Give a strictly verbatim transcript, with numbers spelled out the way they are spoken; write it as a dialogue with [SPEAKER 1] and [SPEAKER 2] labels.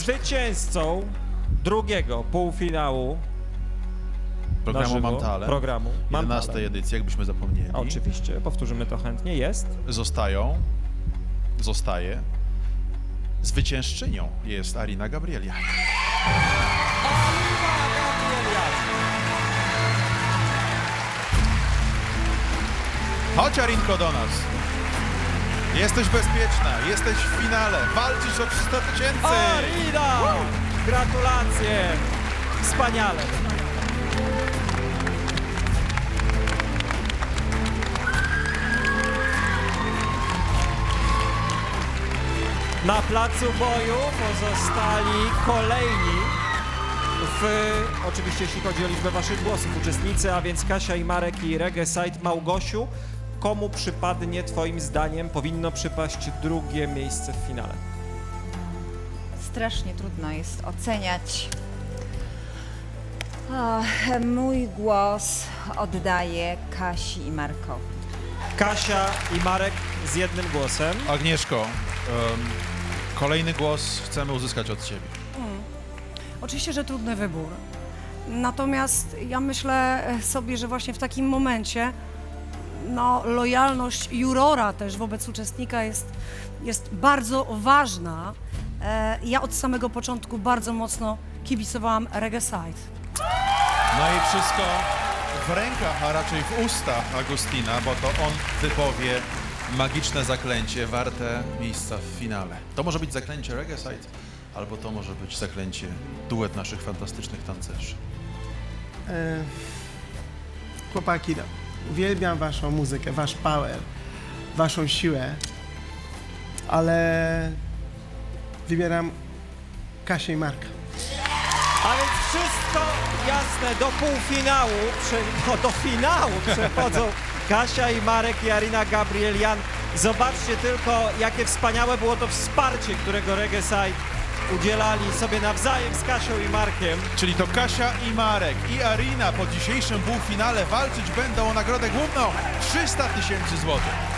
[SPEAKER 1] Zwycięzcą drugiego półfinału
[SPEAKER 2] Programu
[SPEAKER 1] na żywo,
[SPEAKER 2] Mam Talent,
[SPEAKER 1] programu Mam
[SPEAKER 2] jedenastej
[SPEAKER 1] Talent.
[SPEAKER 2] edycji, jakbyśmy zapomnieli.
[SPEAKER 1] Oczywiście, powtórzymy to chętnie, jest.
[SPEAKER 2] Zostają, zostaje, zwyciężczynią jest Arina Gabrielian. Chodź, Arinko, do nas. Jesteś bezpieczna, jesteś w finale, walczysz o trzysta tysięcy.
[SPEAKER 1] Arina! Gratulacje! Wspaniale! Na placu boju pozostali kolejni, w, oczywiście jeśli chodzi o liczbę waszych głosów, uczestnicy, a więc Kasia i Marek i Reggae Side. Małgosiu, komu przypadnie twoim zdaniem, powinno przypaść drugie miejsce w finale?
[SPEAKER 3] Strasznie trudno jest oceniać. O, mój głos oddaję Kasi i Markowi.
[SPEAKER 1] Kasia i Marek z jednym głosem.
[SPEAKER 2] Agnieszko, em, kolejny głos chcemy uzyskać od ciebie.
[SPEAKER 4] Oczywiście, że trudny wybór. Natomiast ja myślę sobie, że właśnie w takim momencie no, lojalność jurora też wobec uczestnika jest, jest bardzo ważna. E, ja od samego początku bardzo mocno kibicowałam Reggae Side.
[SPEAKER 2] No i wszystko w rękach, a raczej w ustach Agustina, bo to on wypowie magiczne zaklęcie warte miejsca w finale. To może być zaklęcie Reggae Side, albo to może być zaklęcie duet naszych fantastycznych tancerzy.
[SPEAKER 5] E, chłopaki, no, uwielbiam waszą muzykę, wasz power, waszą siłę, ale wybieram Kasię i Marka.
[SPEAKER 1] A więc wszystko jasne, do półfinału, prze, no, do finału przechodzą Kasia i Marek i Arina Gabrielian. Zobaczcie tylko, jakie wspaniałe było to wsparcie, którego Reggae Side udzielali sobie nawzajem z Kasią i Markiem.
[SPEAKER 2] Czyli to Kasia i Marek i Arina po dzisiejszym półfinale walczyć będą o nagrodę główną trzysta tysięcy złotych.